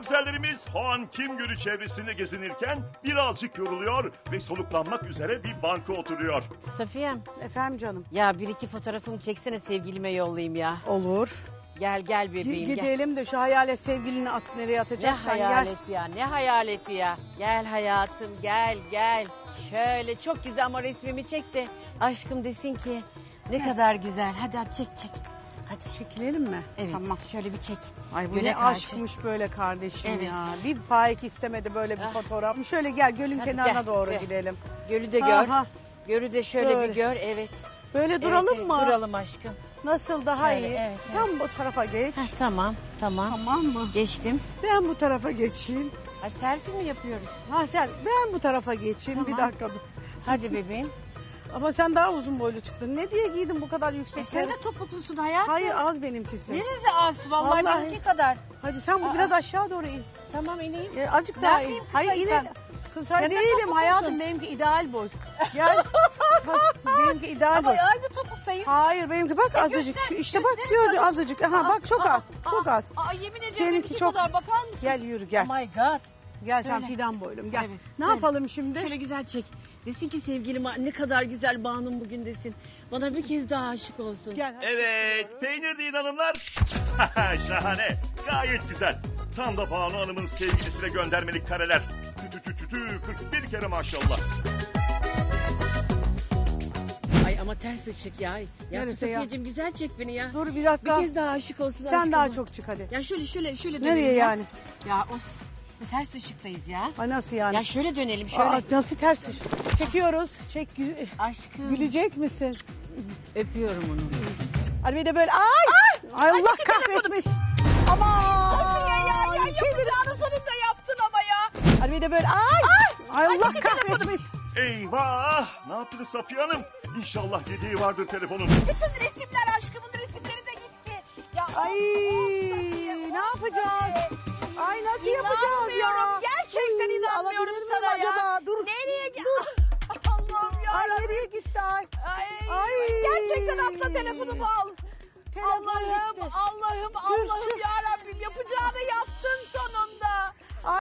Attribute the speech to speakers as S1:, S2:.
S1: güzellerimiz Hoan Kim Gölü çevresinde gezinirken birazcık yoruluyor ve soluklanmak üzere bir banka oturuyor.
S2: Safiyem,
S3: Efendim canım.
S2: ya bir iki fotoğrafımı çeksene sevgilime yollayayım ya.
S3: Olur.
S2: Gel bebeğim gel.
S3: Gidelim de şu hayalet sevgilini nereye
S2: Ne
S3: atacaksan gel.
S2: hayaleti ya, ne hayaleti ya. Gel hayatım, gel. Şöyle çok güzel ama resmimi çek de aşkım desin ki ne kadar güzel. Hadi çek. Hadi.
S3: Çekilelim mi?
S2: Evet,
S3: Tamam.
S2: şöyle bir çek.
S3: Ay bu
S2: Göle
S3: ne
S2: karşı.
S3: aşkmış böyle kardeşim
S2: Evet.
S3: ya. Bir Faik istemedi böyle bir fotoğraf. Şöyle gel gölün
S2: Hadi
S3: kenarına
S2: gel,
S3: doğru
S2: gel.
S3: gidelim.
S2: Gölü de gör.
S3: Aha.
S2: Gölü de şöyle
S3: Böyle.
S2: bir gör, evet.
S3: Böyle duralım
S2: Evet,
S3: mı?
S2: Duralım aşkım.
S3: Nasıl daha
S2: Şöyle,
S3: iyi?
S2: evet,
S3: Sen bu tarafa geç.
S2: Heh, tamam.
S3: Tamam mı?
S2: Geçtim.
S3: Ben bu tarafa geçeyim.
S2: Ha, selfie mi yapıyoruz?
S3: Ha sen ben bu tarafa geçeyim.
S2: Tamam.
S3: Bir dakika dur.
S2: Hadi bebeğim.
S3: Ama sen daha uzun boylu çıktın. Ne diye giydin bu kadar yüksek?
S2: Sen de topuklusun hayatım.
S3: Hayır az benimkisi.
S2: Nerede az? Vallahi,
S3: Vallahi.
S2: benimki kadar.
S3: Hadi sen bu biraz aşağı doğru in.
S2: Tamam ineyim.
S3: Azıcık
S2: Ne
S3: daha
S2: yapayım
S3: in. Hayır
S2: kısaysan?
S3: yine kısa
S2: Sen de
S3: değilim
S2: topuklusun.
S3: hayatım. Benimki ideal boy. Gel. Bak, benimki ideal
S2: Ama
S3: boy.
S2: aynı topuktayız.
S3: Hayır benimki bak azıcık.
S2: göster,
S3: İşte bak
S2: göster,
S3: gördün
S2: azıcık.
S3: azıcık. Aha bak çok az. Çok az.
S2: Yemin ediyorum
S3: Seninki
S2: benimki
S3: çok.
S2: kadar bakar mısın?
S3: Gel yürü gel.
S2: Oh my god.
S3: Gel sen
S2: Söyle.
S3: fidan boylum gel.
S2: Evet,
S3: Ne
S2: söyle.
S3: yapalım şimdi?
S2: Şöyle güzel çek. Desin ki sevgilim ne kadar güzel Banu'm bugün desin. Bana bir kez daha aşık olsun.
S3: Gel.
S1: Evet, peynir deyin hanımlar. Şahane, gayet güzel. Tam da Banu Hanım'ın sevgilisine göndermelik kareler. Tü 41 kere maşallah.
S2: Ay ama ters ışık ya. Ya
S3: Neresi ya?
S2: Safiyeciğim güzel çek beni ya.
S3: Dur bir dakika.
S2: Bir kez daha aşık olsun
S3: Sen
S2: aşkıma.
S3: daha çok çık hadi.
S2: Ya şöyle dönelim
S3: Nereye
S2: ya.
S3: yani?
S2: Ya of. Ters ışıktayız ya.
S3: Ay nasıl yani?
S2: Ya şöyle dönelim şöyle.
S3: Aa, nasıl ters iş? Çekiyoruz. Çek.
S2: Aşkım.
S3: Gülecek misin?
S2: Öpüyorum onu.
S3: Hadi bir de böyle ay Allah kahretmesin. Aman.
S2: Safiye ya yapacağını sonunda yaptın ama ya.
S3: Hadi bir de böyle ay Allah kahretmesin.
S1: Eyvah! Ne yaptınız Safiye Hanım? İnşallah yediği vardır telefonun.
S2: Bütün resimler aşkımın resimleri de gitti. Ya
S3: Ay ne yapacağız? Ay nasıl yapacağız ya?
S2: İnanmıyorum. Gerçekten
S3: Uy,
S2: inanmıyorum
S3: alabilir miyim
S2: sana ya.
S3: acaba? Dur.
S2: Nereye
S3: Dur.
S2: Allah'ım ya.
S3: Ay nereye gitti ay? Ay.
S2: Gerçekten atla telefonumu al.
S3: Telefon
S2: Allah'ım
S3: gitti.
S2: Allah'ım
S3: Sus,
S2: Allah'ım
S3: sus.
S2: ya Rabbim yapacağını yaptın